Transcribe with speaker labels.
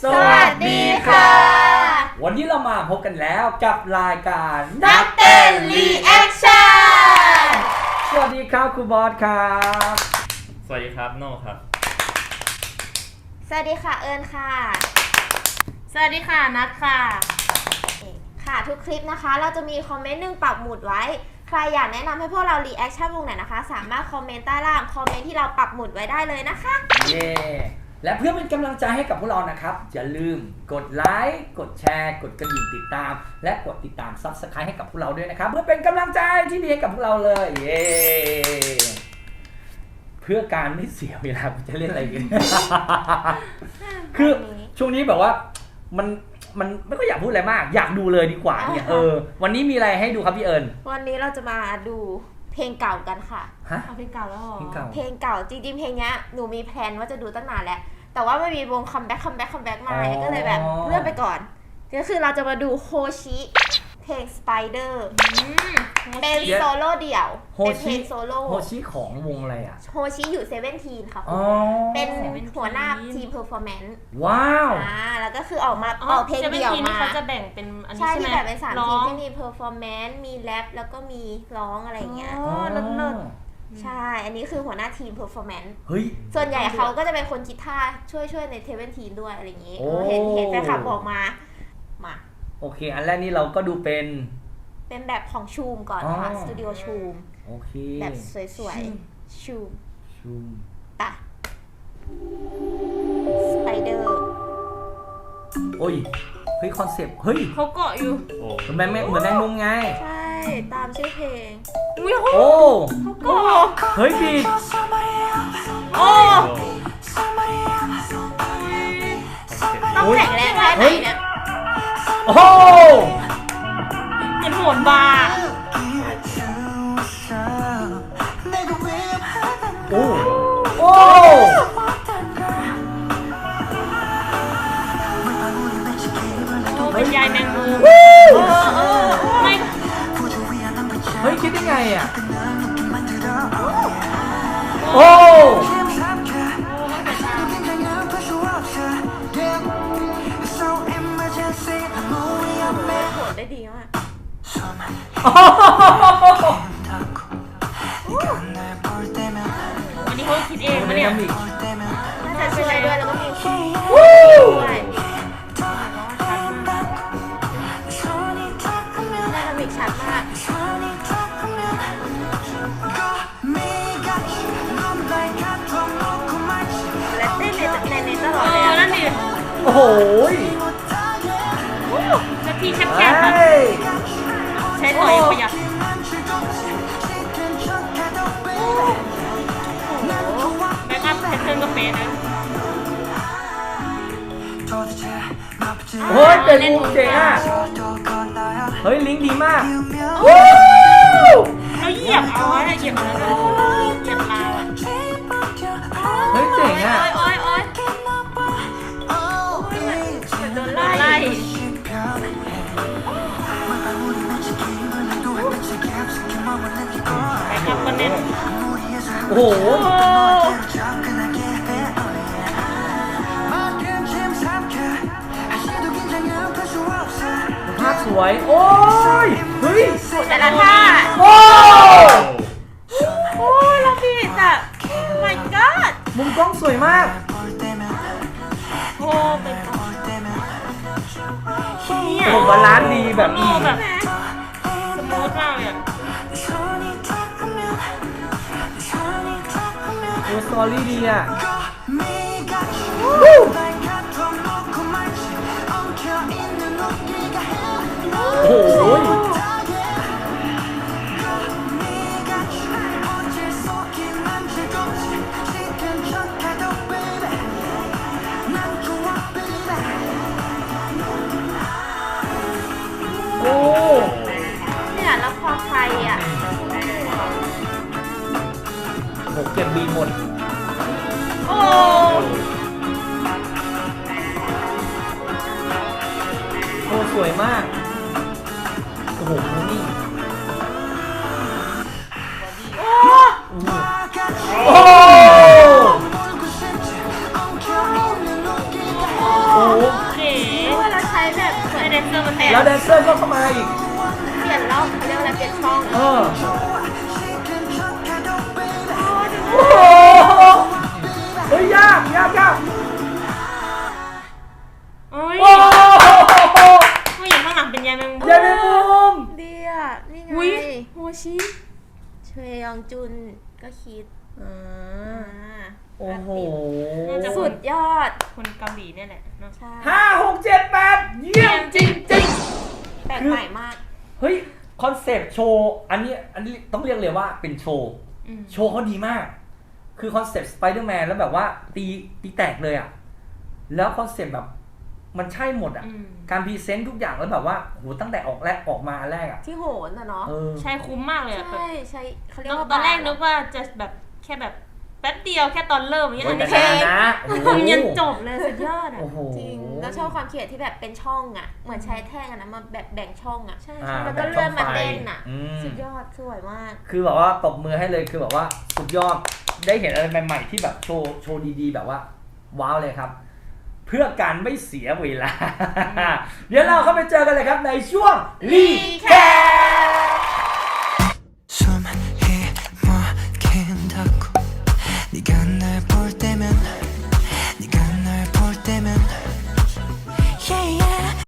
Speaker 1: สวัสดีค่ะ
Speaker 2: วันนี้เรามาพบกันแล้วกับรายการ
Speaker 1: นักเต้นรีแอคชั่น
Speaker 2: สวัสดีครับครูบอสครับ
Speaker 3: สวัสดีครับโน่ครับ
Speaker 1: สวัสดีค่ะเอิญค่ะ
Speaker 4: สวัสดีค่ะนัทค่ะ
Speaker 1: ค่ะทุกคลิปนะคะเราจะมีคอมเมนต์หนึ่งปักหมุดไว้ใครอยากแนะนำให้พวกเรารีแอคชั่นวงไหนนะคะสามารถคอมเมนต์ใต้ล่างคอมเมนต์ที่เราปักหมุดไว้ได้เลยนะคะ
Speaker 2: เย้และเพื่อเป็นกำลังใจให้กับพวกเรานะครับอย่าลืมกดไลค์กดแชร์กดกระดิ่งติดตามและกดติดตาม Subscribe ให้กับพวกเราด้วยนะครับเพื่อเป็นกำลังใจที่ดีให้กับพวกเราเลยเย้เพื่อการไม่เสียเวลาจะเล่นอะไรกัน คือช่วงนี้แบบว่ามันไม่ก็อยากพูดอะไรมากอยากดูเลยดีกว่าเนี่ยวันนี้มีอะไรให้ดูครับพี่เอิญ
Speaker 1: วันนี้เราจะมาดูเพลงเก่ากันค่ะ
Speaker 2: ฮะ
Speaker 4: เพลงเก่าแล้วเหรอ
Speaker 1: เพลงเก่าจริงๆเพลงนี้หนูมีแพลนว่าจะดูตั้งนานแล้วแต่ว่าไม่มีวงคัมแบ็คมาก็เลยแบบเลื่อนไปก่อนก็คือเราจะมาดูโฮชิเพลง Spider เป็นโซโล่เดี่ยวเป็นเพลงโซโล่
Speaker 2: โฮชิของวงอะไรอ่ะ
Speaker 1: โฮชิอยู่17ค่ะเป็นหัวหน้าทีมเพอร์ฟอร์แมนซ์
Speaker 2: ว้าว
Speaker 1: แล้วก็คือออกเพลงเดี่ยวมา
Speaker 4: เขาจะแบ่งเป็นอันนี้
Speaker 1: ใช่
Speaker 4: ใช่ไหม
Speaker 1: ที่แบ่งเป็น3ทีมที่มีเพอร์ฟอร์แมนซ์มีแรปแล้วก็มีร้องอะไรอย่างเงี้ย
Speaker 4: เลิศ
Speaker 1: ใช่อันนี้คือหัวหน้าทีมเพอร์ฟอร์แมนซ์
Speaker 2: เฮ้ย
Speaker 1: ส่วนใหญ่เขาก็จะเป็นคนคิดท่าช่วยในเทเวนทีนด้วยอะไรอย่างงี้เห็นแฟนคลับบอกมา
Speaker 2: โอเคอันแรกนี่เราก็ดูเป็น
Speaker 1: แบบของชูมก่อนค่ะสตูดิโอชูม
Speaker 2: โอเค
Speaker 1: แบบสวยๆชูมปะสไปเดอร์
Speaker 2: โอ้ยเฮ้ยคอนเซปต์เฮ้ย
Speaker 4: เขาเกาะอยู่
Speaker 2: เหมือนแมงมุมไง
Speaker 1: ใช่ตามชื่อเพลง
Speaker 2: โอ้
Speaker 4: เขาเกาะ
Speaker 2: เฮ้ยดี
Speaker 4: โอ้
Speaker 1: ต้องแข็งแรงแค่ไหนเนี่ย
Speaker 2: โอ้
Speaker 4: เป็นโหนบาร์
Speaker 2: โอ้
Speaker 4: เป็นยายแมงมุม
Speaker 2: ไม่เฮ้ยคิดได้ไงอ่ะโอ้
Speaker 1: ได้ดีมาก
Speaker 4: วันนี้เขาคิดเองปะเนี่ย
Speaker 1: น่าจะช่วยด้วยแล้วก็มีด้วยน่าจะมิกชัดมากและเต้นในตลอดเลย
Speaker 4: นั่นดิ
Speaker 2: โอ้โห
Speaker 4: นาทีแคบๆแบบใช้ถอยประหยัดแบ็กอัพแพทเทิร์นก็เป๊ะนะ
Speaker 2: โอ้ยเป็นมุมเจ๋งอ่ะเฮ้ยลิงก์ดีมาก
Speaker 4: เราเหยียบเอาอะไรเหยียบเอาแล้วเหยียบเรา
Speaker 2: เฮ้ยเจ๋งอ่ะ
Speaker 4: โอ๊ยโดนไล่แบ็กอัพก็เน้น
Speaker 2: โอ้โหภาพสวยโอ้ยเฮ้ย
Speaker 1: แต่ละท่า
Speaker 2: โอ้
Speaker 1: เราผิดอ่ะ my god
Speaker 2: มุมกล้องสวยมาก
Speaker 4: โอ้เป็น
Speaker 2: โอ้บาลานซ์ดีแบบ
Speaker 4: สมูทมากเลย
Speaker 2: โอ้สตอรี่ดีอ่ะโอ้โห
Speaker 1: เนี่ยแล้วพอใครอ่ะ
Speaker 2: ผมเก็บบีหมด
Speaker 1: โอ้
Speaker 2: สวยมากโอ้โหนี่โอ้โห
Speaker 1: ยองจุนก็คิด
Speaker 4: อ่า
Speaker 2: โอ้โห
Speaker 1: สุดยอด
Speaker 4: คนเกาหลีเนี่ยแหละเนาะ
Speaker 1: ใช่
Speaker 2: 5 6 7 8 เยี่ยมจริง
Speaker 1: แปลกใหม่มาก
Speaker 2: ๆ เฮ้ย คอนเซปต์โชว์อันนี้ต้องเรียกเลยว่าเป็นโชว์
Speaker 4: อืม
Speaker 2: โชว์เขาดีมาก คือคอนเซปต์สไปเดอร์แมนแล้วแบบว่าตีแตกเลยอ่ะ แล้วคอนเซปต์แบบมันใช่หมดอ่ะ
Speaker 4: อืม
Speaker 2: การพรีเซนต์ทุกอย่างแล้วแบบว่าโหตั้งแต่ออกมาอันแรกอ่ะ
Speaker 1: ที่โหนอะเนาะ
Speaker 2: เออ
Speaker 4: ใช่คุ้มมากเลยอะแบบ
Speaker 1: ใช่เขาเรียกว่า
Speaker 4: ตอนแรก
Speaker 1: บา
Speaker 4: นึกว่าจะแบบแค่แบบแป๊บเดียวแค่ตอนเริ่มอย่างเงี้ย
Speaker 2: โอ้
Speaker 4: อั
Speaker 2: ย
Speaker 4: น
Speaker 2: แต่
Speaker 4: นี้แค่
Speaker 2: นานนะโอ้โห
Speaker 4: ทำยันจบเลยสุดยอดอ่ะ
Speaker 2: โอ้โห
Speaker 1: จริงแล้วชอบความเขียนที่แบบเป็นช่องอะเหมือนใช้แท่งอะนะมาแบบแบ่งช่องอะ
Speaker 4: ใช่
Speaker 2: อ่า
Speaker 1: แล้วก็เลื่อนมาเต้นอะ
Speaker 2: อืม
Speaker 1: สุดยอดสวยมาก
Speaker 2: คือแบบว่าตบมือให้เลยคือแบบว่าสุดยอดได้เห็นอะไรใหม่ๆที่แบบโชว์ดีๆ แบบว่าว้าวเลยครับ เพื่อการไม่เสียเวลา เดี๋ยวเราเข้าไปเจอกันเลยครับในช่วงรีแคป